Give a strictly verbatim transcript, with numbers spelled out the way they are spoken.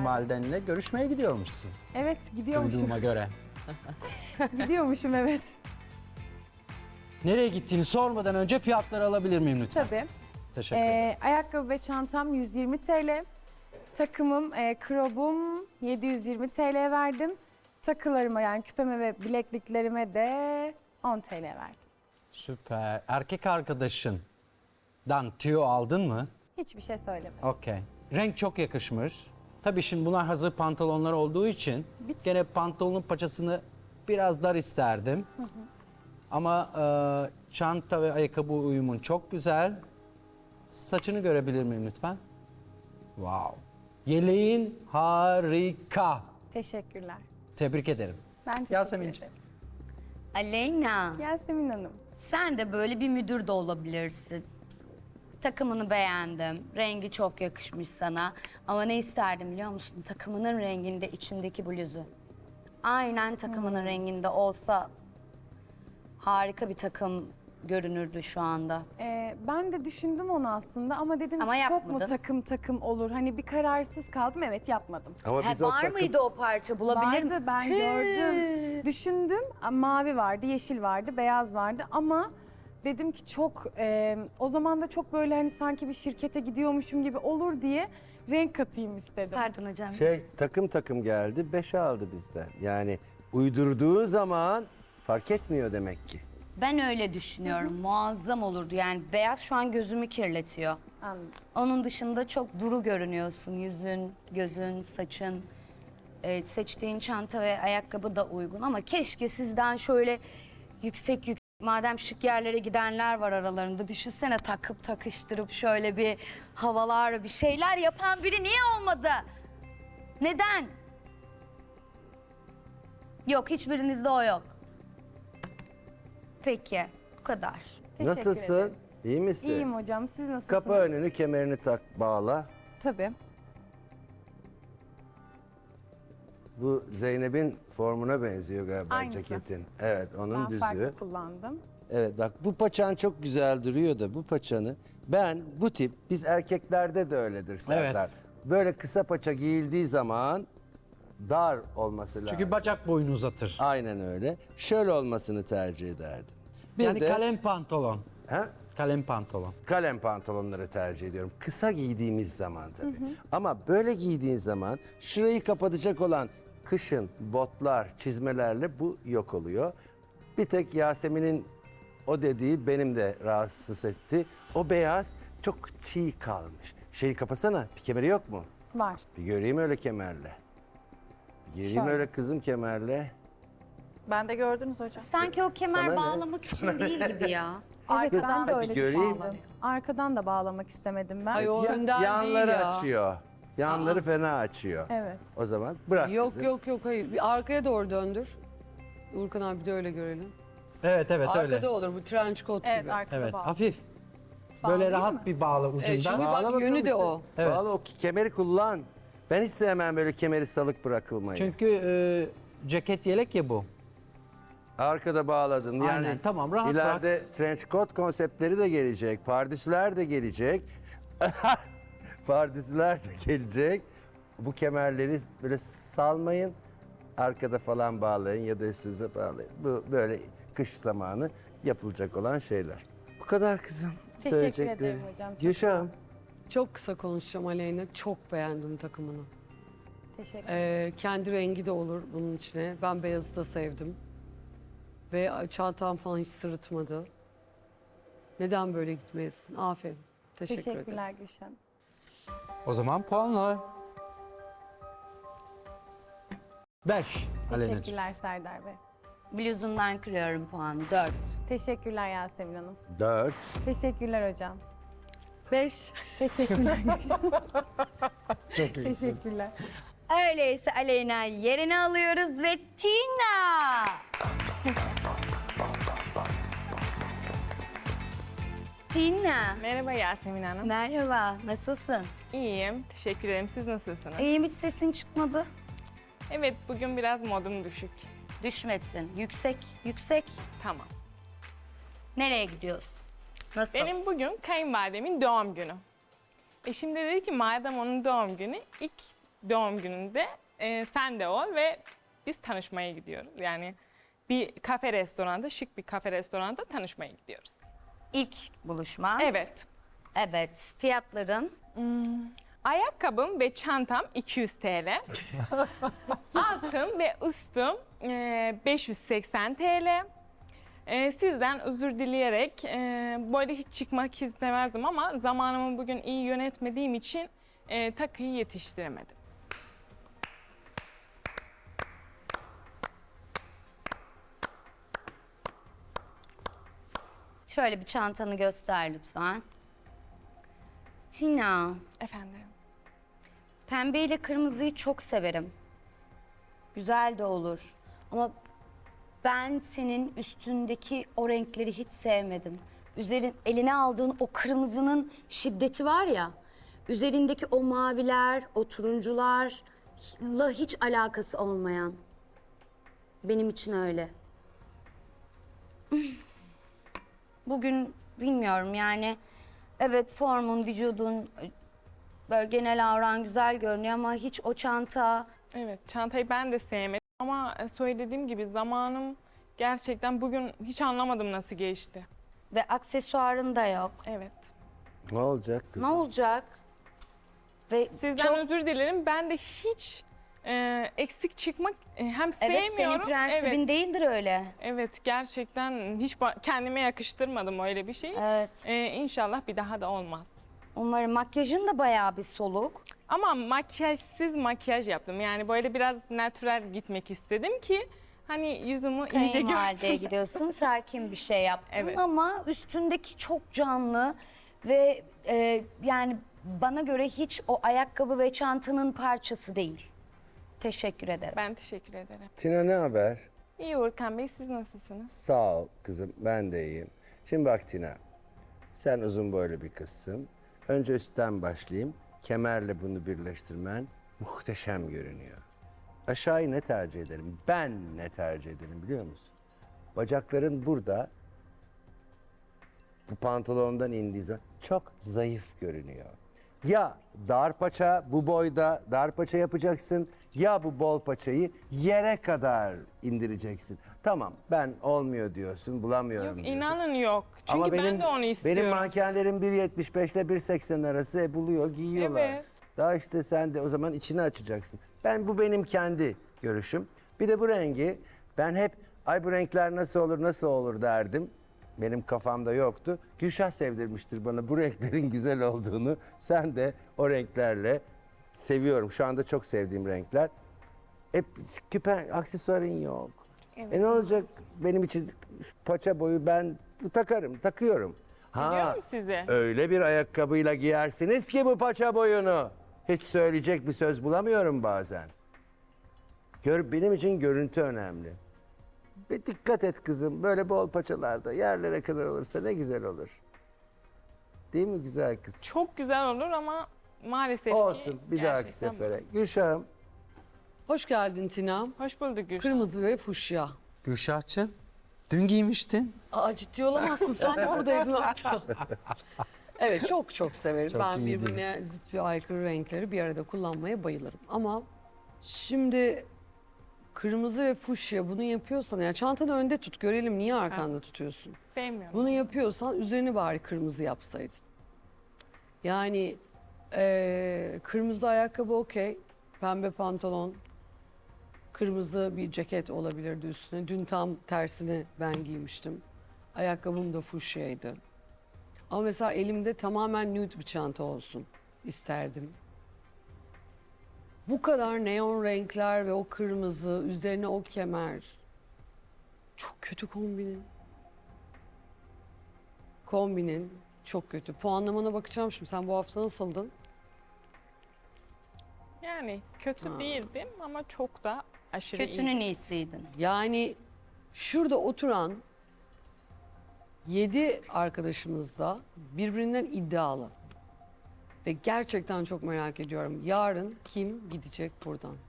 kayınvalidenle görüşmeye gidiyormuşsun. Evet, gidiyormuşum. Duyduğuma göre. Gidiyormuşum, evet. Nereye gittiğini sormadan önce fiyatları alabilir miyim lütfen? Tabii. Teşekkür ederim. Ee, ayakkabı ve çantam yüz yirmi TL. Takımım, e, krobum yedi yüz yirmi TL verdim. Takılarıma yani küpeme ve bilekliklerime de on TL verdim. Süper. Erkek arkadaşından tüyo aldın mı? Hiçbir şey söylemedim. Okey. Renk çok yakışmış. Tabii şimdi bunlar hazır pantolonlar olduğu için Bit- gene pantolonun paçasını biraz dar isterdim. Hı hı. Ama e, çanta ve ayakkabı uyumun çok güzel. Saçını görebilir miyim lütfen? Wow. Yeleğin harika. Teşekkürler. Tebrik ederim. Ben teşekkür Yasemin'ciğim. ederim. Aleyna, Yasemin Hanım. sen de böyle bir müdür de olabilirsin. Takımını beğendim. Rengi çok yakışmış sana. Ama ne isterdim biliyor musun? Takımının renginde içindeki bluzu. Aynen takımının renginde olsa harika bir takım görünürdü şu anda. Ee, ben de düşündüm onu aslında ama dedim Ama ki çok mu yapmadın. takım takım olur? Hani bir kararsız kaldım, evet yapmadım. Ama Ha, biz o var takım... mıydı o parça bulabilir Vardı, mi? ben Tüh. gördüm. Düşündüm, mavi vardı, yeşil vardı, beyaz vardı ama dedim ki çok, e, o zaman da çok böyle hani sanki bir şirkete gidiyormuşum gibi olur diye renk katayım istedim. Pardon hocam. Şey takım takım geldi, beşe aldı bizden. Yani uydurduğun zaman fark etmiyor demek ki. Ben öyle düşünüyorum. Muazzam olurdu. Yani beyaz şu an gözümü kirletiyor. Anladım. Onun dışında çok duru görünüyorsun. Yüzün, gözün, saçın. Ee, seçtiğin çanta ve ayakkabı da uygun ama keşke sizden şöyle yüksek yüksek, madem şık yerlere gidenler var aralarında, düşünsene takıp takıştırıp şöyle bir havalar, bir şeyler yapan biri niye olmadı? Neden? Yok, hiçbirinizde o yok. Peki, bu kadar. Teşekkür Nasılsın? ederim. İyi misin? İyiyim hocam, siz nasılsınız? Kapa önünü, kemerini tak, bağla. Tabii. Bu Zeynep'in formuna benziyor galiba Aynısı. ceketin. Evet, onun Ben düzü. farklı kullandım. Evet bak bu paçan çok güzel duruyor da bu paçanı ben bu tip biz erkeklerde de öyledir Serdar. Evet. Böyle kısa paça giyildiği zaman dar olması lazım. Çünkü bacak boyunu uzatır. Aynen öyle. Şöyle olmasını tercih ederdim. Bir yani de kalem pantolon. ha? Kalem pantolon. Kalem pantolonları tercih ediyorum. Kısa giydiğimiz zaman tabii. Ama böyle giydiğin zaman şurayı kapatacak olan kışın botlar, çizmelerle bu yok oluyor. Bir tek Yasemin'in o dediği benim de rahatsız etti. O beyaz çok çiğ kalmış. Şeyi kapasana. Bir kemeri yok mu? Var. Bir göreyim öyle kemerle. Bir göreyim Şöyle. öyle kızım kemerle. Ben de gördünüz hocam. Sanki o kemer Sana ne? bağlamak için değil gibi ya. Evet, ben Arkadan de da öyle bir göreyim. düşündüm. Arkadan da bağlamak istemedim ben. Ay o Ya- önden yanları değil ya. açıyor. Yanları fena açıyor. Evet. O zaman bırak Yok kızım. yok yok hayır. Bir arkaya doğru döndür. Urkan abi de öyle görelim. Evet evet Arkada öyle. olur bu trench coat Evet gibi. arkada Evet bağlı. hafif. Bağlayayım Böyle rahat mı? bir bağla ucundan. Evet, çünkü Bağla bak bakalım yönü de işte. o. Evet. Bağla o kemeri kullan. Ben hiç sevmem böyle kemeri salık bırakılmayı. Çünkü e, ceket yelek ya bu. Arkada bağladın. Yani Aynen, tamam, rahat ileride trench coat konseptleri de gelecek. Pardüsüler de gelecek. Pardüsüler de gelecek. Bu kemerleri böyle salmayın. Arkada falan bağlayın ya da üstünüze bağlayın. Bu böyle kış zamanı yapılacak olan şeyler. Bu kadar kızım. Teşekkür Söyleyeceklerim. ederim hocam, çok Gülşah'ım. Çok kısa konuşacağım Aleyna. Çok beğendim takımını. Teşekkür Ee, kendi rengi de olur bunun içine. Ben beyazı da sevdim. Ve çantam falan hiç sırıtmadı. Neden böyle gitmeyesin? Aferin. Teşekkür ederim. Teşekkürler Gülşen. O zaman puanlar. Beş. Aleyna'cığım. Teşekkürler Serdar Bey. Bluzundan kırıyorum puanı. Dört. Teşekkürler Yasemin Hanım. Dört. Teşekkürler hocam. Beş. Teşekkürler Gülşen. Çok iyisin. Teşekkürler. Öyleyse Aleyna yerini alıyoruz ve Tina. Tina. Merhaba Yasemin Hanım. Merhaba, nasılsın? İyiyim. Teşekkür ederim. Siz nasılsınız? İyiyim, hiç sesin çıkmadı. Evet, bugün biraz modum düşük. Düşmesin. Yüksek, yüksek. Tamam. Nereye gidiyorsun? Nasıl? Benim bugün kayınvalidemin doğum günü. Eşim de dedi ki madem onun doğum günü ilk doğum gününde e, sen de ol ve biz tanışmaya gidiyoruz. Yani bir kafe restoranda, şık bir kafe restoranda tanışmaya gidiyoruz. İlk buluşma. Evet. Evet. Fiyatların Ayakkabım ve çantam iki yüz T L. Altım ve üstüm e, beş yüz seksen T L. E, sizden özür dileyerek e, böyle hiç çıkmak istemezdim ama zamanımı bugün iyi yönetmediğim için e, takıyı yetiştiremedim. şöyle bir çantanı göster lütfen. Tina, Efendim. pembe ile kırmızıyı çok severim. Güzel de olur. Ama ben senin üstündeki o renkleri hiç sevmedim. Üzerin eline aldığın o kırmızının şiddeti var ya. Üzerindeki o maviler, o turuncularla hiç alakası olmayan. Benim için öyle. Bugün bilmiyorum yani. Evet, formun, vücudun, böyle genel avran güzel görünüyor ama hiç o çanta... Evet, çantayı ben de sevmedim ama söylediğim gibi zamanım gerçekten bugün hiç anlamadım nasıl geçti. Ve aksesuarın da yok. Evet. Ne olacak Ne kızım? olacak? Ve Sizden çok... özür dilerim. Ben de hiç e, eksik çıkmak e, hem Evet, sevmiyorum. senin prensibin Evet, değildir öyle. evet, gerçekten hiç ba- kendime yakıştırmadım öyle bir şey. Evet. E, İnşallah bir daha da olmaz. Umarım makyajın da bayağı bir soluk. Ama makyajsız makyaj yaptım. Yani böyle biraz natürel gitmek istedim ki hani yüzümü iyice Kayınvalideye görsün. gidiyorsun, sakin bir şey yaptın Evet. ama üstündeki çok canlı ve e, yani bana göre hiç o ayakkabı ve çantanın parçası değil. Teşekkür ederim. Ben teşekkür ederim. Tina ne haber? İyi Urkan Bey, siz nasılsınız? Sağ ol kızım, ben de iyiyim. Şimdi bak Tina, sen uzun boylu bir kızsın. Önce üstten başlayayım. Kemerle bunu birleştirmen muhteşem görünüyor. Aşağıyı ne tercih ederim? Ben ne tercih ederim biliyor musun? Bacakların burada, bu pantolondan indiği zaman çok zayıf görünüyor. Ya dar paça bu boyda dar paça yapacaksın ya bu bol paçayı yere kadar indireceksin. Tamam ben olmuyor diyorsun bulamıyorum Yok, diyorsun. inanın yok. Çünkü Ama benim, ben de onu istiyorum. Benim mankenlerim bir yetmiş beş ile bir seksen arası e, buluyor giyiyorlar. Evet. Daha işte sen de o zaman içini açacaksın. Ben bu benim kendi görüşüm. Bir de bu rengi ben hep ay bu renkler nasıl olur nasıl olur derdim. Benim kafamda yoktu. Gülşah sevdirmiştir bana bu renklerin güzel olduğunu. Sen de o renklerle seviyorum. Şu anda çok sevdiğim renkler. Hep küpe, aksesuarın yok. Evet. E ne olacak benim için paça boyu ben bu takarım, takıyorum. Biliyorum sizi. Öyle bir ayakkabıyla giyersiniz ki bu paça boyunu. Hiç söyleyecek bir söz bulamıyorum bazen. Gör, benim için görüntü önemli. Bir dikkat et kızım. Böyle bol paçalarda yerlere kadar olursa ne güzel olur. Değil mi güzel kız? Çok güzel olur ama maalesef ki Olsun bir dahaki gerçekten bu. sefere. Gülşah'ım Hoş geldin Tina. Hoş bulduk Gülşah. Kırmızı ve fuşya. Gülşah'cığım, dün giymiştin. Aa, ciddi olamazsın, sen de buradaydın hatta. Evet, çok çok severim. Çok ben iyi değil birbirine zıt ve aykırı renkleri bir arada kullanmaya bayılırım. Ama şimdi kırmızı ve fuşya bunu yapıyorsan, yani çantanı önde tut, görelim niye arkanda tutuyorsun. Sevmiyorum. Bunu yapıyorsan üzerini bari kırmızı yapsaydın. Yani eee, kırmızı ayakkabı okey, pembe pantolon, kırmızı bir ceket olabilirdi üstüne. Dün tam tersini ben giymiştim. Ayakkabım da fuşyaydı. Ama mesela elimde tamamen nude bir çanta olsun isterdim. Bu kadar neon renkler ve o kırmızı, üzerine o kemer. Çok kötü kombinin. Kombinin çok kötü. Puanlamana bakacağım şimdi. Sen bu hafta nasıldın? Yani kötü Ha. değildim ama çok da aşırı iyi. Kötünün iyisiydin. Yani şurada oturan yedi arkadaşımız da birbirinden iddialı. Ve gerçekten çok merak ediyorum. Yarın kim gidecek buradan?